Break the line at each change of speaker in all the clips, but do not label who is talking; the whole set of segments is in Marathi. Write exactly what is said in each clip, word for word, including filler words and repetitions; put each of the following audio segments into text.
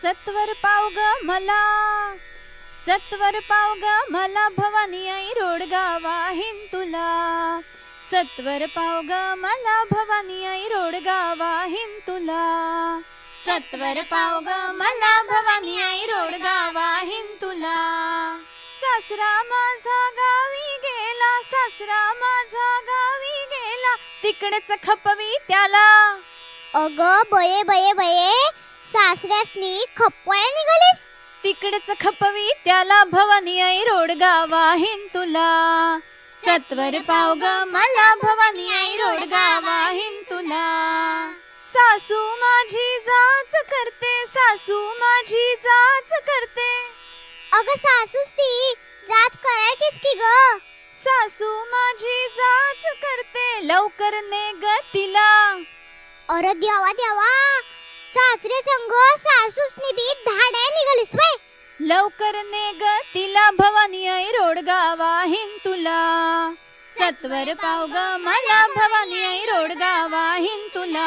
सत्वर पाव ग मला, सत्वर पाव ग मला भवानी आई रोडगा वाहीन तुला. सत्वर पाव ग मला भवानी आई रोडगा वाहीन तुला. सत्वर पाव ग मला भवानी आई रोडगा वाहीन तुला. सासरा माझा गावी गेला, सासरा माझा गावी गेला, तिकडेच खपवी त्याला.
अग बये बये बये, सासऱ्यासनी खपवायला निघालीस?
तिकडेच खपवी त्याला भवानी आई रोडगा वाहीन तुला. सत्वर पाव ग मला भवानी आई रोडगा वाहीन तुला. सासू माझी जाच करते, सासू माझी जाच करते.
अग सासूस ती जाच करायचीच की ग.
सासू माझी जाच करते, लवकर ने ग तिला.
अरे देवा देवा, सासरे संग सासूसनी बी धाड्या निघालीस व्हय?
लवकर ने ग तिला भवानी आई रोडगा वाहीन तुला. सत्वर पाव ग मला भवानी आई रोडगा वाहीन तुला.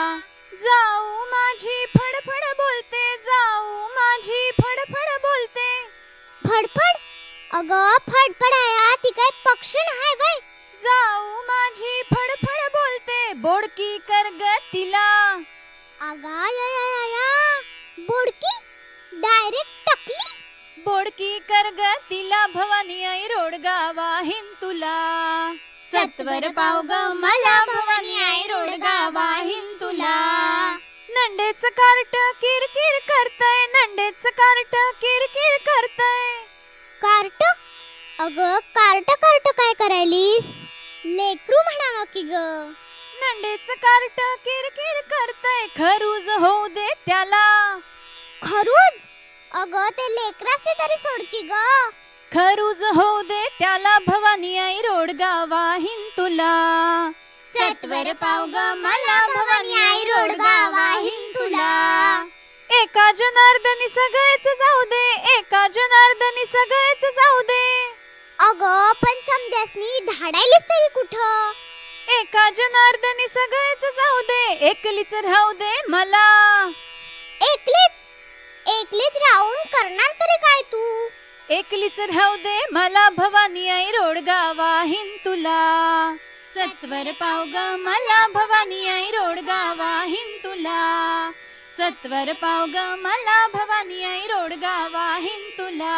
जाऊ माझी फडफड बोलते, जाऊ माझी फडफड बोलते.
फडफड? अग फडफड आया ती काय पक्षी हाय व्हय?
जाऊ माझी फडफड बोलते, बोडकी कर ग तिला.
अगा या या या या, बोडकी डायरेक्ट टकली.
बोडकी कर ग तिला भवानी आई रोडगा वाहीन तुला. सत्वर पाव ग मला भवानी आई रोडगा वाहीन तुला. नंडेच कार्ट किरकिर करतय, नंडेच कार्ट किरकिर करतय.
कार्ट? अग कार्ट कार्ट काय करायलीस? लेकरू म्हणावं की ग.
नंडेच कार्ट किरकिर करतय, खरूज होऊ दे त्याला.
खरूज? अग ते लेकराचे तरी सोड की ग.
खरूज होऊ दे त्याला भवानी आई रोडगा वाहीन तुला. सत्वर पाव ग मला भवानी आई रोडगा वाहीन तुला. एका जनार्दनी सगळेच जाऊ दे, एका जनार्दनी सगळेच जाऊ दे.
अग पण समजासनी धाडायलीस तरी कुठं?
एका जनार्दनी सगळेच जाऊ दे, एकलीच राहू दे मला.
एकलीच? एकलीच राहून करणार तरी काय तू?
एकलीच राहू दे मला भवानी आई रोडगा वाहीन तुला. सत्वर पाव ग मला भवानी आई रोडगा वाहीन तुला. सत्वर पाव ग मला भवानी आई रोडगा वाहीन तुला.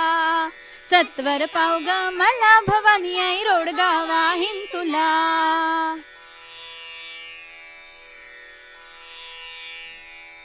सत्वर पाव ग मला भवानी आई रोडगा वाहीन तुला.